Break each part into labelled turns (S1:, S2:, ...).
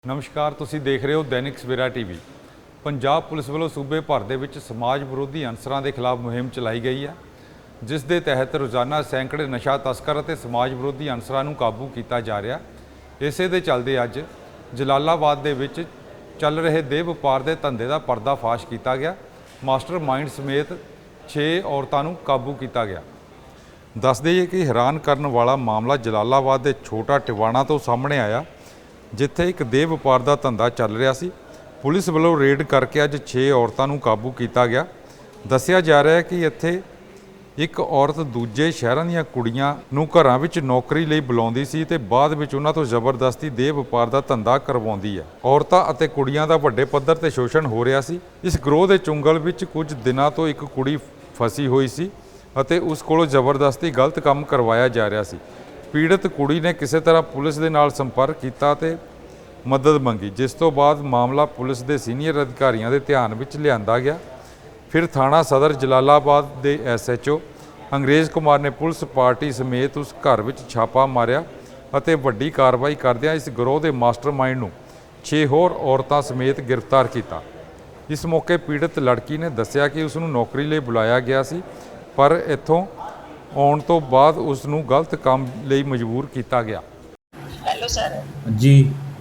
S1: ਨਮਸਕਾਰ, ਤੁਸੀਂ ਦੇਖ ਰਹੇ ਹੋ ਦੈਨਿਕ ਸਵੇਰਾ ਟੀਵੀ। ਪੰਜਾਬ ਪੁਲਿਸ ਵੱਲੋਂ ਸੂਬੇ ਭਰ ਦੇ ਵਿੱਚ ਸਮਾਜ ਵਿਰੋਧੀ ਅਨਸਰਾਂ ਦੇ ਖਿਲਾਫ ਮੁਹਿੰਮ ਚਲਾਈ ਗਈ ਹੈ, ਜਿਸ ਦੇ ਤਹਿਤ ਰੋਜ਼ਾਨਾ ਸੈਂਕੜੇ ਨਸ਼ਾ ਤਸਕਰ ਅਤੇ ਸਮਾਜ ਵਿਰੋਧੀ ਅਨਸਰਾਂ ਨੂੰ ਕਾਬੂ ਕੀਤਾ ਜਾ ਰਿਹਾ। ਇਸੇ ਦੇ ਚੱਲਦੇ ਅੱਜ ਜਲਾਲਾਬਾਦ ਦੇ ਵਿੱਚ ਚੱਲ ਰਹੇ ਦੇਹ ਵਪਾਰ ਦੇ ਧੰਦੇ ਦਾ ਪਰਦਾਫਾਸ਼ ਕੀਤਾ ਗਿਆ। ਮਾਸਟਰ ਮਾਈਂਡ ਸਮੇਤ 6 ਔਰਤਾਂ ਨੂੰ ਕਾਬੂ ਕੀਤਾ ਗਿਆ। ਦੱਸ ਦਈਏ ਕਿ ਹੈਰਾਨ ਕਰਨ ਵਾਲਾ ਮਾਮਲਾ ਜਲਾਲਾਬਾਦ ਦੇ ਛੋਟਾ ਟਿਵਾਣਾ ਤੋਂ ਸਾਹਮਣੇ ਆਇਆ, ਜਿੱਥੇ ਇੱਕ ਦੇਹ ਵਪਾਰ ਦਾ ਧੰਦਾ ਚੱਲ ਰਿਹਾ ਸੀ। ਪੁਲਿਸ ਵੱਲੋਂ ਰੇਡ ਕਰਕੇ ਅੱਜ 6 ਔਰਤਾਂ ਨੂੰ ਕਾਬੂ ਕੀਤਾ ਗਿਆ। ਦੱਸਿਆ ਜਾ ਰਿਹਾ ਹੈ ਕਿ ਇੱਥੇ ਇੱਕ ਔਰਤ ਦੂਜੇ ਸ਼ਹਿਰਾਂ ਦੀਆਂ ਕੁੜੀਆਂ ਨੂੰ ਘਰਾਂ ਵਿੱਚ ਨੌਕਰੀ ਲਈ ਬੁਲਾਉਂਦੀ ਸੀ ਤੇ ਬਾਅਦ ਵਿੱਚ ਉਹਨਾਂ ਤੋਂ ਜ਼ਬਰਦਸਤੀ ਦੇਹ ਵਪਾਰ ਦਾ ਧੰਦਾ ਕਰਵਾਉਂਦੀ ਹੈ। ਔਰਤਾਂ ਅਤੇ ਕੁੜੀਆਂ ਦਾ ਵੱਡੇ ਪੱਧਰ ਤੇ ਸ਼ੋਸ਼ਣ ਹੋ ਰਿਹਾ ਸੀ। ਇਸ ਗਰੋਹ ਦੇ ਚੁੰਗਲ ਵਿੱਚ ਕੁਝ ਦਿਨਾਂ ਤੋਂ ਇੱਕ ਕੁੜੀ ਫਸੀ ਹੋਈ ਸੀ ਅਤੇ ਉਸ ਕੋਲੋਂ ਜ਼ਬਰਦਸਤੀ ਗਲਤ ਕੰਮ ਕਰਵਾਇਆ ਜਾ ਰਿਹਾ ਸੀ। ਪੀੜਤ ਕੁੜੀ ਨੇ ਕਿਸੇ ਤਰ੍ਹਾਂ ਪੁਲਿਸ ਦੇ ਨਾਲ ਸੰਪਰਕ ਕੀਤਾ ਤੇ ਮਦਦ ਮੰਗੀ, ਜਿਸ ਤੋਂ ਬਾਅਦ ਮਾਮਲਾ ਪੁਲਿਸ ਦੇ ਸੀਨੀਅਰ ਅਧਿਕਾਰੀਆਂ ਦੇ ਧਿਆਨ ਵਿੱਚ ਲਿਆਂਦਾ ਗਿਆ। ਫਿਰ ਥਾਣਾ ਸਦਰ ਜਲਾਲਾਬਾਦ ਦੇ SHO ਅੰਗਰੇਜ਼ ਕੁਮਾਰ ਨੇ ਪੁਲਿਸ ਪਾਰਟੀ ਸਮੇਤ ਉਸ ਘਰ ਵਿੱਚ ਛਾਪਾ ਮਾਰਿਆ ਅਤੇ ਵੱਡੀ ਕਾਰਵਾਈ ਕਰਦਿਆਂ ਇਸ ਗਰੋਹ ਦੇ ਮਾਸਟਰਮਾਈਂਡ ਨੂੰ 6 ਹੋਰ ਔਰਤਾਂ ਸਮੇਤ ਗ੍ਰਿਫਤਾਰ ਕੀਤਾ। ਇਸ ਮੌਕੇ ਪੀੜਤ ਲੜਕੀ ਨੇ ਦੱਸਿਆ ਕਿ ਉਸ ਨੂੰ ਨੌਕਰੀ ਲਈ ਬੁਲਾਇਆ ਗਿਆ ਸੀ, ਪਰ ਇੱਥੋਂ ਆਉਣ ਤੋਂ ਬਾਅਦ ਉਸ ਨੂੰ ਗਲਤ ਕੰਮ ਲਈ ਮਜਬੂਰ ਕੀਤਾ ਗਿਆ।
S2: ਹੈਲੋ ਸਰ
S3: ਜੀ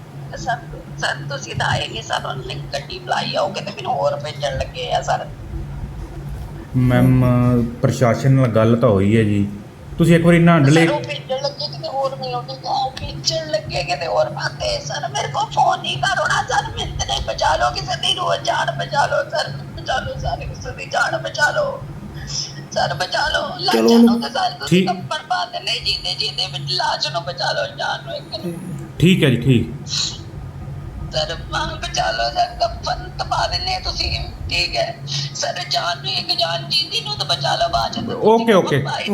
S2: ਸਰ ਤੁਸੀਂ ਤਾਂ ਆਏ ਨਹੀਂ ਸਰ, ਉਹਨੇ ਗੱਡੀ ਬੁਲਾਈ ਆਓਗੇ ਤੇ ਮੈਨੂੰ ਹੋਰ ਭੇਜਣ ਲੱਗੇ ਆ ਸਰ।
S3: ਮੈਮ ਪ੍ਰਸ਼ਾਸਨ ਨਾਲ ਗੱਲ ਤਾਂ ਹੋਈ ਹੈ ਜੀ, ਤੁਸੀਂ ਇੱਕ ਵਾਰੀ ਨਾ ਡਿਲੇ
S2: ਸਰ ਉਹ ਭੇਜਣ ਲੱਗੇ ਕਿਤੇ ਹੋਰ ਮੈਨੂੰ ਭੇਜਣ ਲੱਗੇ ਕਿਤੇ ਹੋਰ ਪਾਤੇ ਸਰ। ਮੇਰੇ ਕੋਲ ਫੋਨ ਨਹੀਂ ਕਰੋਣਾ ਸਰ, ਮੈਨੂੰ ਤੇ ਨਹੀਂ ਬਚਾ ਲਓ, ਕਿਸੇ ਦੀ ਰੋਜ਼ ਜਾਨ ਬਚਾ ਲਓ ਸਰ, ਬਚਾ ਲਓ ਸਰ, ਕਿਸੇ ਦੀ ਜਾਨ ਬਚਾ ਲਓ ਸਰ, ਬਚਾ ਲਓ। ਲਾਜਾਂ ਨੂੰ ਤਾਂ ਸਰ ਤੁਸੀਂ ਕੱਪੜ ਪਾ ਦੇ ਨਹੀਂ ਜੀਂਦੇ ਵਿੱਚ, ਲਾਜ ਨੂੰ ਬਚਾ ਲਓ, ਜਾਨ ਨੂੰ ਇੱਕ ਨੂੰ।
S3: ਠੀਕ ਹੈ ਜੀ, ਠੀਕ
S2: ਸਰ ਬਚਾ ਲਓ ਸਰ, ਕੱਪਨ ਤਪਾ ਦਿੰਦੇ ਤੁਸੀਂ, ਠੀਕ ਹੈ ਸਰ। ਜਾਨ ਨੂੰ ਇੱਕ ਜਾਨ ਜੀਂਦੀ ਨੂੰ ਤਾਂ ਬਚਾ ਲਓ, ਬਾਅਦ ਚ
S3: ਓਕੇ
S2: ਇੱਥੇ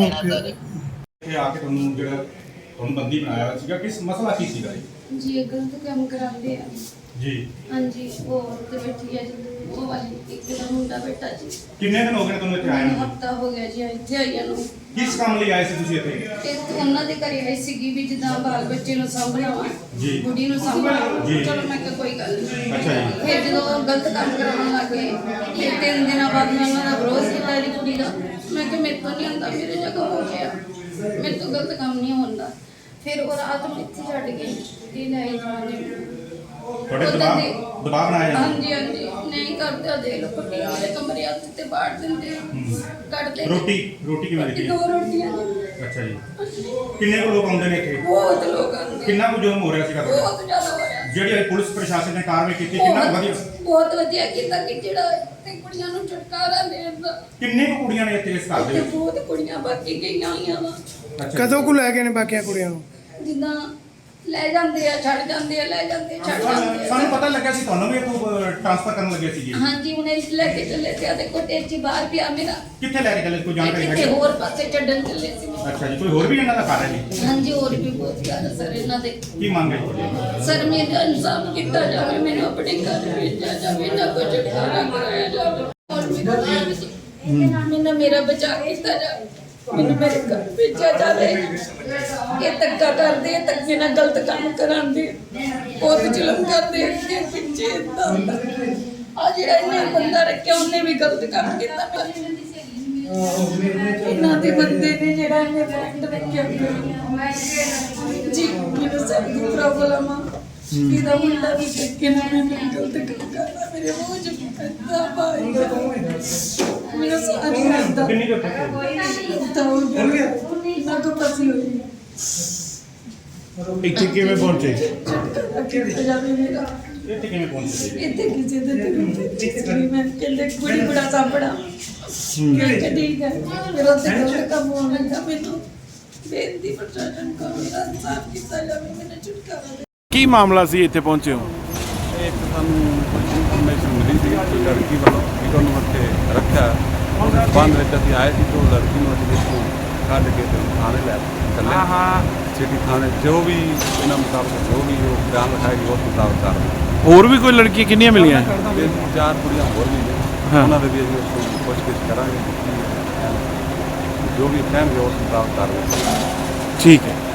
S4: ਆ ਕੇ ਤੁਹਾਨੂੰ ਜਿਹੜਾ ਤੁਹਾਨੂੰ ਬੰਦੀ ਬਣਾਇਆ ਸੀਗਾ, ਕਿਸ ਮਸਲਾ ਕੀ ਸੀਗਾ
S5: ਜੀ? ਗਲਤ ਕੰਮ ਕਰਾਉਂਦੇ ਆ
S4: ਜੀ।
S5: ਹਾਂਜੀ, ਉਹ ਤੇ ਬੈਠੀ ਹੈ ਜੀ, ਉਹ ਵਾਲੀ ਇੱਕ ਦਾ ਮੁੰਡਾ ਬੇਟਾ ਜੀ।
S4: ਕਿੰਨੇ ਦਿਨ ਹੋ ਗਏ ਤੁਹਾਨੂੰ ਇੱਥੇ ਆਏ ਨੂੰ?
S5: ਹਫਤਾ ਹੋ ਗਿਆ ਜੀ ਇੱਥੇ ਆਈਆਂ ਨੂੰ।
S4: ਕਿਸ ਕੰਮ ਲਈ ਆਏ ਸੀ ਤੁਸੀਂ ਇੱਥੇ?
S5: ਤੇ ਉਹਨਾਂ ਦੇ ਘਰੇ ਆਈ ਸੀਗੀ ਵੀ ਜਿੱਦਾਂ ਬਾਲ ਬੱਚੇ ਨੂੰ ਸਾਂਭਣਾ ਵਾ,
S4: ਜੀ।
S5: ਕੁੜੀ ਨੂੰ ਸਾਂਭਣਾ।
S4: ਜੀ।
S5: ਚਲੋ ਮੈਂ ਕਿਹਾ ਕੋਈ ਗੱਲ ਨਹੀਂ।
S4: ਅੱਛਾ ਜੀ।
S5: ਫਿਰ ਜਦੋਂ ਗਲਤ ਕੰਮ ਕਰਾਉਣ ਲੱਗੇ, ਫਿਰ 3 ਦਿਨਾਂ ਬਾਅਦ ਮੈਂ ਉਹਨਾਂ ਦਾ ਵਿਰੋਧ ਕੀਤਾ ਇਹਦੀ ਕੁੜੀ ਦਾ। ਮੈਂ ਕਿਹਾ ਮੇਰੇ ਤੋਂ ਨਹੀਂ ਹੁੰਦਾ, ਮੇਰੇ ਜਗ੍ਹਾ ਹੋ ਗਿਆ, ਮੇਰੇ ਤੋਂ ਗਲਤ ਕੰਮ ਨਹੀਂ ਹੁੰਦਾ। ਫਿਰ ਉਹ ਰਾਤ ਨੂੰ ਇੱਥੇ ਛੱਡ ਗਏ ਤੇ ਲੈ ਜਾਣੇ
S4: ਤੁਹਾਡੇ ਦਬਾਅ ਬਣਾਇਆ ਜਾਂਦਾ?
S5: ਹਾਂਜੀ ਹਾਂਜੀ, ਨਹੀਂ ਕਰਦੇ ਦੇ ਲੋ ਕੁੱਟੀਆਂ ਵਾਲੇ ਕਮਰੇ ਹੱਥ ਤੇ ਬਾੜ ਦਿੰਦੇ ਕੱਢਦੇ।
S4: ਰੋਟੀ ਕਿਵੇਂ ਦਿੱਤੀ?
S5: 2 ਰੋਟੀਆਂ ਨੇ।
S4: ਅੱਛਾ ਜੀ। ਕਿੰਨੇ ਕੁ ਲੋਕ ਆਉਂਦੇ ਨੇ ਇੱਥੇ?
S5: ਬਹੁਤ ਲੋਕ ਆਉਂਦੇ।
S4: ਕਿੰਨਾ ਕੁ ਜ਼ੁਲਮ ਹੋ ਰਿਹਾ ਸੀਗਾ?
S5: ਬਹੁਤ ਜ਼ਿਆਦਾ ਹੋ ਰਿਹਾ।
S4: ਜਿਹੜੀ ਪੁਲਿਸ ਪ੍ਰਸ਼ਾਸਨ ਨੇ ਕਾਰਵਾਈ ਕੀਤੀ, ਕਿੰਨਾ ਵਧੀਆ?
S5: ਬਹੁਤ ਵਧੀਆ ਕੀਤਾ ਕਿ ਜਿਹੜਾ ਇੱਥੇ ਕੁੜੀਆਂ ਨੂੰ ਛੁਟਕਾਰਾ ਦੇਣ ਦਾ।
S4: ਕਿੰਨੇ ਕੁ ਕੁੜੀਆਂ ਨੇ ਇੱਥੇ ਇਸ ਘਰ ਦੇ ਵਿੱਚ?
S5: ਬਹੁਤ ਕੁੜੀਆਂ ਬਾਕੀ ਗਈਆਂ ਹੋਈਆਂ ਵਾ।
S6: ਕਦੋਂ ਕੁ ਲੈ ਗਏ ਨੇ ਬਾਕੀਆਂ ਕੁੜੀਆਂ ਨੂੰ?
S5: ਜਿੱਦਾਂ ਲੈ ਜਾਂਦੇ ਆ, ਛੱਡ ਜਾਂਦੇ ਆ, ਲੈ ਜਾਂਦੇ ਛੱਡ ਜਾਂਦੇ ਆ।
S4: ਸਾਨੂੰ ਪਤਾ ਲੱਗਿਆ ਸੀ ਤੁਹਾਨੂੰ ਵੀ ਇੱਥੋਂ ਟ੍ਰਾਂਸਫਰ ਕਰਨ ਲੱਗੇ ਸੀ ਜੀ।
S5: ਹਾਂਜੀ, ਉਹਨੇ ਲੈ ਕੇ ਚੱਲੇ ਸੀ। ਆਦੇ ਕੋਟੇ 'ਚ ਬਾਹਰ ਪਿਆ ਮੇਰਾ।
S4: ਕਿੱਥੇ ਲੈ ਕੇ ਚੱਲੇ? ਕੋਈ ਜਾਣਕਾਰੀ
S5: ਕਿਤੇ
S4: ਹੈ?
S5: ਹੋਰ ਪਾਸੇ ਛੱਡਣ ਚੱਲੇ ਸੀ।
S4: ਅੱਛਾ ਜੀ। ਕੋਈ ਹੋਰ ਵੀ ਇਹਨਾਂ ਦਾ ਘਰ ਹੈ ਜੀ?
S5: ਹਾਂਜੀ, ਹੋਰ ਵੀ ਬਹੁਤ ਜ਼ਿਆਦਾ ਸਰ ਇਹਨਾਂ ਦੇ।
S4: ਕੀ ਮੰਗ ਹੈ ਤੁਹਾਡੀ?
S5: ਸਰ ਮੇਰਾ ਇਨਸਾਫ ਕੀਤਾ ਜਾਵੇ, ਮੈਨੂੰ ਆਪਣੇ ਘਰ ਭੇਜਿਆ ਜਾਵੇ, ਨਾ ਕੋਈ ਛੁਟਕਾਰਾ ਕਰਾਇਆ ਜਾਵੇ। ਮੈਨੂੰ ਮੇਰਾ ਬਚਾਅ ਕੀਤਾ ਜਾਵੇ, ਮੈਨੂੰ ਮੇਰੇ ਘਰ ਭੇਜਿਆ ਜਾਵੇ। ਇਹ ਧੱਕਾ ਕਰਦੇ ਆ, ਧੱਕੇ ਨਾਲ ਗਲਤ ਕੰਮ ਕਰਾਉਂਦੇ, ਬਹੁਤ ਜ਼ੁਲਮ ਕਰਦੇ ਅੱਗੇ ਪਿੱਛੇ ਏਦਾਂ ਹੁੰਦਾ। ਆ ਜਿਹੜਾ ਇਹਨੇ ਬੰਦਾ ਰੱਖਿਆ ਉਹਨੇ ਵੀ ਗਲਤ ਕੰਮ ਕੀਤਾ। ਇਹਨਾਂ ਦੇ ਬੰਦੇ ਨੇ ਜਿਹੜਾ ਇਹਨੇ ਫਰੈਂਡ ਰੱਖਿਆ ਜੀ, ਮੈਨੂੰ ਸਭ ਦੀ ਪ੍ਰੋਬਲਮ ਆ। ਇਹਦਾ ਮੁੰਡਾ ਵੀ ਧੱਕੇ ਨਾਲ ਮੈਨੂੰ ਗਲਤ ਕੰਮ ਕਰਦਾ, ਮੇਰੇ ਮੂੰਹ 'ਚ ਪੈਂਦਾ ਭਾਈ ਮੈਨੂੰ ਸਾਰੀ ਰਾਤ ਦਾ
S4: ਕਿੰਨੀ ਕੁ
S5: ਨਾ ਕੋ ਪਸੀ ਹੋਈ।
S4: ਇੱਥੇ ਕਿਵੇਂ ਪਹੁੰਚੇ?
S5: ਜਾਵੇ ਮੇਰਾ
S4: ਇੱਥੇ ਕਿਵੇਂ ਪਹੁੰਚੇ?
S5: ਇੱਥੇ ਕਿਸੇ ਦੇ ਤੇ ਮੈਂ ਕਹਿੰਦੇ ਕੁੜੀ ਬੜਾ ਸਾਂਭਣਾ। ਮੈਂ ਕਿਹਾ ਠੀਕ ਹੈ। ਫਿਰ ਉੱਥੇ ਗਲਤ ਕੰਮ ਹੋਣ ਲੱਗਾ। ਮੈਨੂੰ ਬੇਨਤੀ ਪ੍ਰਸ਼ਾਸਨ ਕੋਲ ਮੇਰਾ ਇਨਸਾਫ ਕੀਤਾ ਜਾਵੇ, ਮੈਨੂੰ ਛੁਟਕਾਰਾ ਦੇ।
S6: ਕੀ ਮਾਮਲਾ ਸੀ ਇੱਥੇ ਪਹੁੰਚੇ ਹੋ?
S1: ਇੱਕ ਸਾਨੂੰ ਇਨਫੋਰਮੇਸ਼ਨ ਮਿਲੀ ਸੀ ਕਿ ਲੜਕੀ ਵੱਲੋਂ ਵੀ ਤੁਹਾਨੂੰ ਇੱਥੇ ਰੱਖਿਆ। ਉਸ ਬੰਦ ਵਿੱਚ ਅਸੀਂ ਆਏ ਸੀ ਤਾਂ ਲੜਕੀ ਨੂੰ ਅਸੀਂ ਇੱਥੋਂ ਕੱਢ ਕੇ ਤੇ ਥਾਣੇ ਲੈ ਚੱਲੇ। ਸਿਟੀ ਥਾਣੇ ਜੋ ਵੀ ਇਹਨਾਂ ਮੁਤਾਬਕ ਜੋ ਵੀ ਉਹ ਬਿਆਨ ਲਿਖਾਏਗੀ ਉਸ ਮੁਤਾਬਕ ਕਰ।
S6: ਹੋਰ ਵੀ ਕੋਈ ਲੜਕੀਆਂ ਕਿੰਨੀਆਂ ਮਿਲੀਆਂ?
S1: 4 ਕੁੜੀਆਂ ਹੋਰ ਵੀ ਨੇ, ਉਹਨਾਂ ਦੇ ਵੀ ਅਸੀਂ ਉਸ ਤੋਂ ਪੁੱਛਗਿੱਛ ਕਰਾਂਗੇ। ਜੋ ਵੀ ਕਹਿਣਗੇ ਉਸ ਮੁਤਾਬਕ ਕਰ।
S6: ਠੀਕ ਹੈ।